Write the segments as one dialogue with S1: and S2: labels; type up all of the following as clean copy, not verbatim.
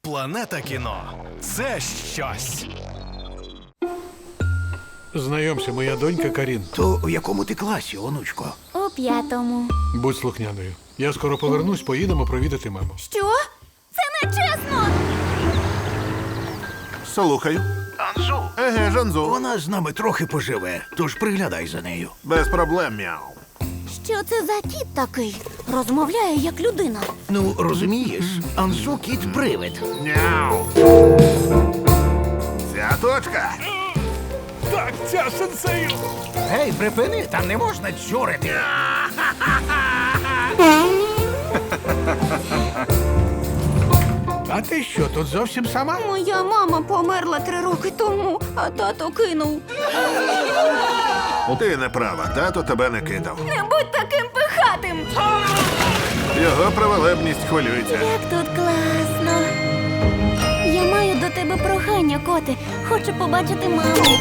S1: Планета кіно – це щось.
S2: Знайомся, моя донька Карін.
S3: То у якому ти класі, онучко?
S4: У 5-му.
S2: Будь слухняною. Я скоро повернусь, поїдемо провідати маму.
S4: Що? Це не чесно!
S5: Слухаю.
S3: Анзу.
S5: Еге, Жанзу.
S3: Вона з нами трохи поживе, тож приглядай за нею.
S5: Без проблем, мяу.
S4: Що це за кіт такий? Розмовляє як людина.
S3: Ну, розумієш, Анзу кіт-привид.
S5: Мяу. Ця точка.
S2: Так, ця сенсею!
S3: Гей, припини, там не можна дзюрити.
S2: А ти що, тут зовсім сама?
S4: Моя мама померла 3 роки тому, а тато кинув.
S5: Ти не права, тато тебе не кидав.
S4: Не будь таким пихатим!
S5: Його праволебність хвилюється.
S4: Як тут класно. Я маю до тебе прохання, коти. Хочу побачити маму.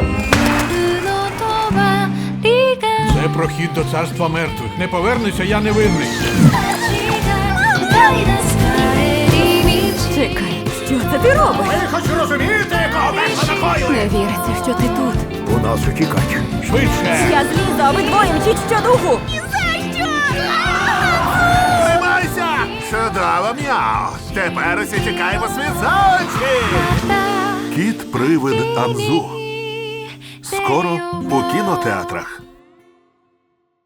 S2: Це прохід до царства мертвих. Не повернуся, я невинний.
S4: Чекай, що це ти робиш?
S3: Ви хоч розумієте, кого такою?
S4: Не віриться, що ти тут.
S3: У нас утікач.
S2: Швидше!
S4: Я злізу, обидвоє мчіть щодуху.
S5: Тримайся! Чудово, мяу. Тепер усі тікаємо світ за очі. Кіт-привид Анзу. Скоро у кінотеатрах.